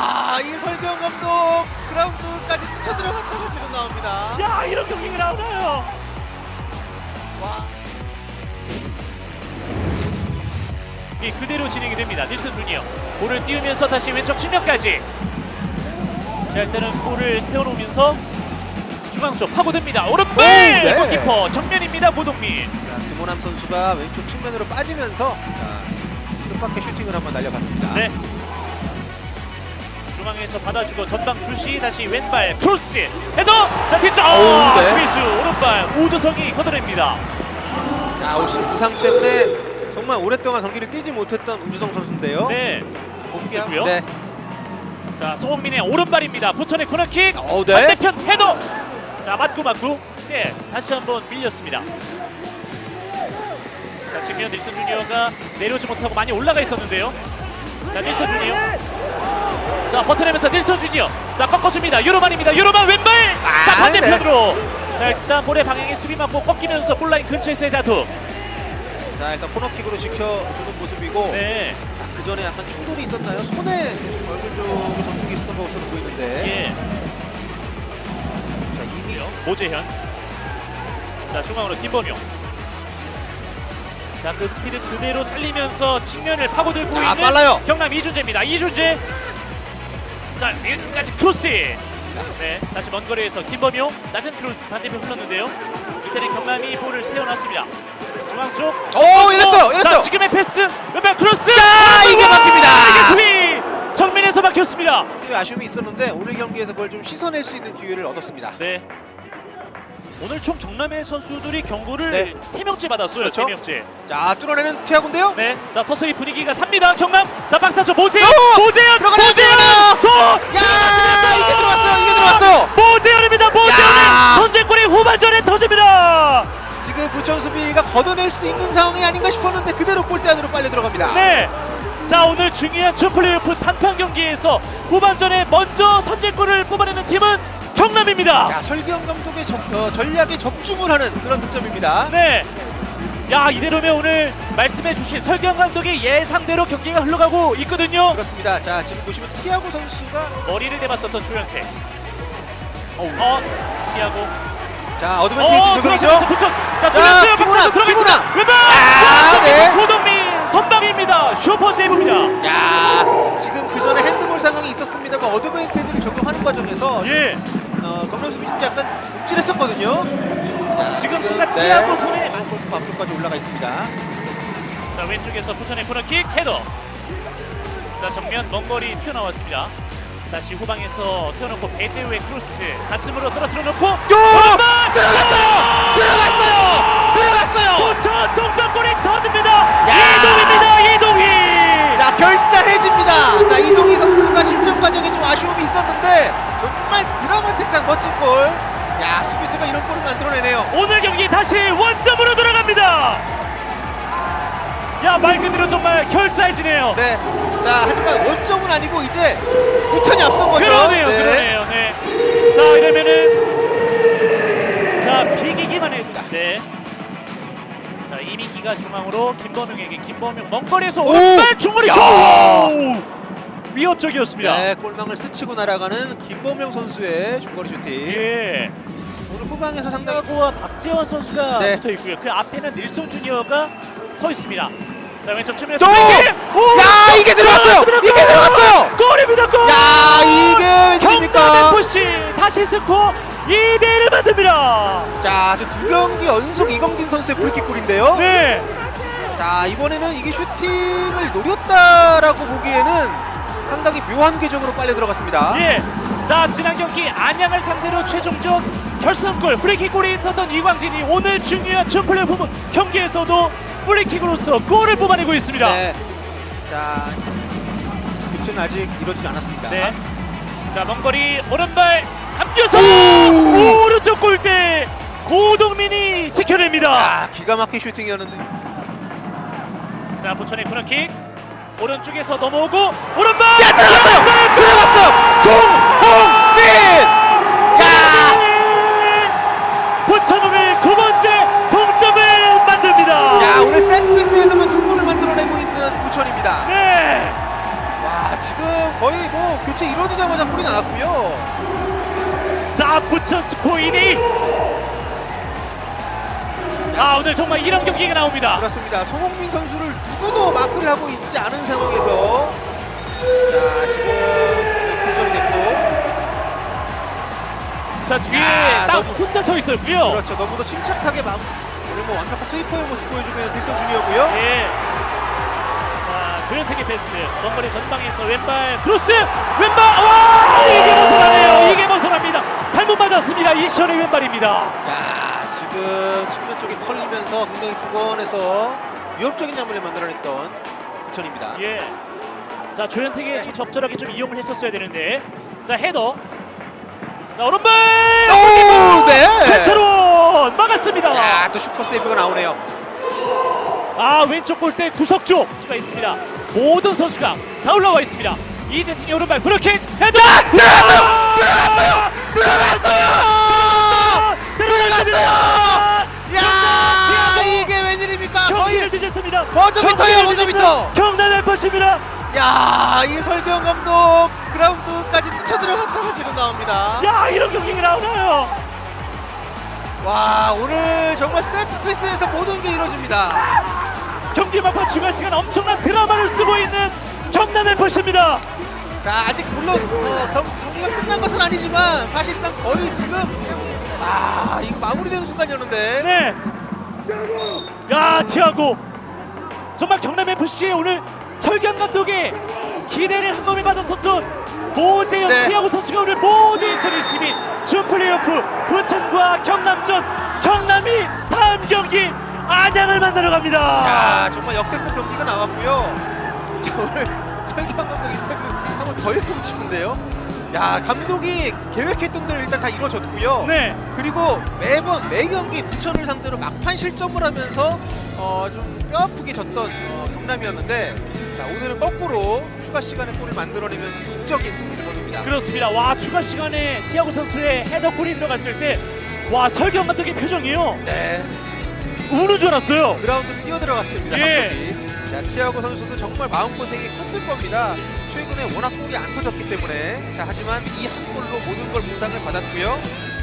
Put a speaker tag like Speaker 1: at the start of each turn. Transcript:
Speaker 1: 이 설경 감독 그라운드까지 쳐들어갔다가 지금 나옵니다.
Speaker 2: 야, 이런 경기가 나오나요?
Speaker 1: 와.
Speaker 2: 이 그대로 진행이 됩니다. 닐슨 주니어 볼을 띄우면서 다시 왼쪽 측면까지. 자, 일단은 볼을 세워놓으면서 중앙 쪽 파고듭니다. 오른발
Speaker 1: 네.
Speaker 2: 골키퍼 정면입니다. 고동민.
Speaker 1: 자, 김호남 선수가 왼쪽 측면으로 빠지면서 뜻밖의 슈팅을 한번 날려봤습니다.
Speaker 2: 네. 중앙에서 받아주고 전방 주시 다시 왼발 크로스 헤더. 자, 뒤쪽
Speaker 1: 네.
Speaker 2: 스미스 오른발 오조성이 걷어냅니다.
Speaker 1: 자, 올 시즌 부상 때문에 정말 오랫동안 경기를 뛰지 못했던 우주성 선수인데요.
Speaker 2: 네.
Speaker 1: 복귀하고요. 네.
Speaker 2: 자, 송민의 오른발입니다. 부천의 코너킥.
Speaker 1: 네.
Speaker 2: 반대편 헤더. 자, 맞고. 네, 다시 한번 밀렸습니다. 자, 지금 닐슨 주니어가 내려오지 못하고 많이 올라가 있었는데요. 자, 닐슨 주니어. 자, 버텨내면서 닐슨 주니어. 자, 꺾어줍니다. 유로만입니다. 유로만 왼발. 자, 반대편으로. 자, 일단 볼의 방향에 수비 맞고 꺾이면서 골라인 근처에서의 다툼.
Speaker 1: 자, 일단 코너킥으로 지켜주는 모습이고.
Speaker 2: 네.
Speaker 1: 그 전에 약간 충돌이 있었나요? 손에 얼굴 쪽에 전투기 있었던 것으로 보이는데.
Speaker 2: 예.
Speaker 1: 자, 이미
Speaker 2: 오재현. 자, 중앙으로 김범용. 자, 그 스피드 그대로 살리면서 측면을 파고들고 있는
Speaker 1: 빨라요.
Speaker 2: 경남 이준재입니다. 이준재. 자, 여기까지 크로스. 네, 다시 먼 거리에서 김범용 낮은 크로스 반대편 흘렀는데요. 이때는 경남이 볼을 세워놨습니다. 중앙 쪽.
Speaker 1: 열렸어요.
Speaker 2: 자, 지금의 패스. 왼발 크로스.
Speaker 1: 자, 이게 막힙니다.
Speaker 2: 이게 수비 정면에서 막혔습니다.
Speaker 1: 아쉬움이 있었는데 오늘 경기에서 그걸 좀 씻어낼 수 있는 기회를 얻었습니다.
Speaker 2: 네. 오늘 총 경남의 선수들이 경고를
Speaker 1: 네.
Speaker 2: 3명째 받았어요.
Speaker 1: 그렇죠.
Speaker 2: 3명째.
Speaker 1: 자, 뚫어내는 티아고인데요.
Speaker 2: 네. 자, 서서히 분위기가 삽니다. 경남. 자, 박사조 모재현.
Speaker 1: 들어가네요. 야, 이게 들어왔어요.
Speaker 2: 모재현입니다. 모재현의
Speaker 1: 야.
Speaker 2: 선제골이 후반전에 터집니다.
Speaker 1: 지금 부천 수비가 걷어낼 수 있는 상황이 아닌가 싶었는데 그대로 골대 안으로 빨려 들어갑니다.
Speaker 2: 네. 자, 오늘 중요한 챔플레이오프 단판 경기에서 후반전에 먼저 선제골을 뽑아내는 팀은 경남입니다.
Speaker 1: 야, 설경 감독의 전략에 적중을 하는 그런 득점입니다.
Speaker 2: 네. 야, 이대로면 오늘 말씀해주신 설경 감독의 예상대로 경기가 흘러가고 있거든요.
Speaker 1: 그렇습니다. 자, 지금 보시면 티아고 선수가
Speaker 2: 머리를 대봤었던 조현태. 티아고.
Speaker 1: 자, 어드밴티지 적용이죠.
Speaker 2: 부천. 자, 들어갔어요. 박사도 들어갔습니다. 왼발.
Speaker 1: 네.
Speaker 2: 고동민 선방입니다. 슈퍼 세이브입니다.
Speaker 1: 야, 지금 그 전에 핸드볼 상황이 있었습니다만 어드밴티지를 적용하는 과정에서
Speaker 2: 예.
Speaker 1: 경남 수비 진짜 약간 움찔했었거든요.
Speaker 2: 지금 순간 티아고 손에
Speaker 1: 골프 앞쪽까지 올라가 있습니다.
Speaker 2: 자, 왼쪽에서 부천의 코너킥 헤더. 자, 정면 먼 거리 튀어나왔습니다. 다시 후방에서 세워놓고 배재우의 크로스 가슴으로 떨어뜨려 놓고
Speaker 1: 들어갔어요.
Speaker 2: 부천 동점골이 터집니다. 이동희.
Speaker 1: 자, 결자해집니다. 자, 이동희 선수가 실점 과정에 좀 아쉬움이 있었는데 정말 드라마틱한 멋진 골. 야, 수비수가 이런 골을 만들어내네요.
Speaker 2: 오늘 경기 다시 원점으로 돌아갑니다. 야, 말 그대로 정말 결자해지네요.
Speaker 1: 네. 자, 하지만 원점은 아니고 이제 부천이 앞선 거죠.
Speaker 2: 그러네요. 네. 자, 이러면은 자, 비기기만 해도 네. 자, 이민기가 중앙으로 김범용에게 김범용 먼 거리에서 오른발 중거리 슛! 위협적이었습니다.
Speaker 1: 네, 골망을 스치고 날아가는 김범용 선수의 중거리 슈팅.
Speaker 2: 예.
Speaker 1: 오늘 후방에서 상당히
Speaker 2: 상당고와 박재원 선수가
Speaker 1: 네.
Speaker 2: 붙어 있고요. 그 앞에는 닐슨 주니어가 서 있습니다. 자, 왼쪽 측면에서
Speaker 1: 야, 이게 들어갔어요. 이게 들어갔어요.
Speaker 2: 골입니다. 골!
Speaker 1: 야, 이게 웬일입니까?
Speaker 2: 경남 FC 다시 스코어 2대1을 만듭니다.
Speaker 1: 자, 두 경기 연속 이광진 선수의 프리킥 골인데요.
Speaker 2: 네.
Speaker 1: 자, 이번에는 이게 슈팅을 노렸다라고 보기에는 상당히 묘한 궤적으로 빨려 들어갔습니다.
Speaker 2: 예. 자, 지난 경기 안양을 상대로 최종적 결승골 프리킥골이 있었던 이광진이 오늘 중요한 챔플레이오프 경기에서도 프리킥으로서 골을 뽑아내고 있습니다.
Speaker 1: 네. 자, 교체는 아직 이루어지지 않았습니다.
Speaker 2: 네. 자, 먼거리 오른발 감겨서 오른쪽 골대 고동민이 지켜냅니다.
Speaker 1: 아, 기가 막힌 슈팅이었는데.
Speaker 2: 자, 부천의 코너킥 오른쪽에서 넘어오고 오른발
Speaker 1: 들어갔어요. 송홍민. 야,
Speaker 2: 부천 오늘 9번째 동점을 만듭니다.
Speaker 1: 야, 오늘 세트피스에서만 두 골을 만들어내고 있는 부천입니다.
Speaker 2: 네.
Speaker 1: 와, 지금 거의 뭐 교체 이루어지지
Speaker 2: 스코어 2대1. 아, 오늘 정말 이런 경기가 나옵니다.
Speaker 1: 그렇습니다. 송홍민 선수를 누구도 마크를 하고 있지 않은 상황에서 자 지금 교전이 됐고
Speaker 2: 자, 뒤에
Speaker 1: 야,
Speaker 2: 딱
Speaker 1: 너무-
Speaker 2: 혼자 서 있었고요.
Speaker 1: 그렇죠. 너무도 침착하게 오늘 뭐 완벽한 스위퍼의 모습 보여주고 있는 딜슨 준이었고요.
Speaker 2: 예. 자, 조현택의 패스. 원거리 전방에서 왼발 크로스. 왼발. 와! 이게 벗어나네요. 이게 벗어납니다. 잘못 맞았습니다. 이시현의 왼발입니다.
Speaker 1: 야 지금 측면 쪽이 털리면서 굉장히 주권에서 위협적인 장면을 만들어냈던 부천입니다.
Speaker 2: 예. 자, 조현택이 지금 적절하게 좀 이용을 했었어야 되는데. 자, 헤더. 자, 오른발.
Speaker 1: 오, 네.
Speaker 2: 최철원 막았습니다.
Speaker 1: 야또 슈퍼 세이브가 나오네요.
Speaker 2: 아, 왼쪽 골대 구석조 수가 있습니다. 모든 선수가 다 올라와 있습니다. 이재승의 오른발 브로킹 헤더. 들어갔습니다.
Speaker 1: 야 이게 웬일입니까?
Speaker 2: 경기를
Speaker 1: 거의
Speaker 2: 뒤졌습니다.
Speaker 1: 버저비터예요, 버저비터.
Speaker 2: 경남의 펀치입니다.
Speaker 1: 야이 설경 감독 그라운드까지 뛰쳐 들어갔다가 지금 나옵니다.
Speaker 2: 야, 이런 경기가 나오나요?
Speaker 1: 와 오늘 정말 세트 피스에서 모든 게 이루어집니다.
Speaker 2: 경기 막판 중간 시간 엄청난 드라마를 쓰고 있는 경남의 펀치입니다.
Speaker 1: 자 아직 물론 경기가 끝난 것은 아니지만 사실상 거의 지금 이거 마무리되는 순간이었는데
Speaker 2: 네. 야, 티아고. 정말 경남 FC의 오늘 설경 감독의 기대를 한 몸에 받았었던 모재현
Speaker 1: 네.
Speaker 2: 티아고 선수가 오늘 모두 2022 준 플레이오프 부천과 경남전, 경남이 다음 경기 안양을 만나러 갑니다.
Speaker 1: 야 정말 역대급 경기가 나왔고요. 저 오늘 설경 감독 인터뷰 한번 더 해보고 싶은데요. 야 감독이 계획했던 대로 일단 다 이루어졌고요.
Speaker 2: 네.
Speaker 1: 그리고 매번 매 경기 부천을 상대로 막판 실점을 하면서 좀 뼈아프게 졌던 경남이었는데 자 오늘은 거꾸로 추가 시간에 골을 만들어내면서 극적인 승리를 거둡니다.
Speaker 2: 그렇습니다. 와, 추가 시간에 티아고 선수의 헤더골이 들어갔을 때 와, 설경 감독의 표정이요.
Speaker 1: 네.
Speaker 2: 우는 줄 알았어요.
Speaker 1: 그라운드로 뛰어들어갔습니다.
Speaker 2: 예.
Speaker 1: 감독이. 자 티아고 선수도 정말 마음고생이 컸을 겁니다. 최근에 워낙 골이 안 터졌기 때문에 자 하지만 이 한 골로 모든 걸 보상을 받았고요.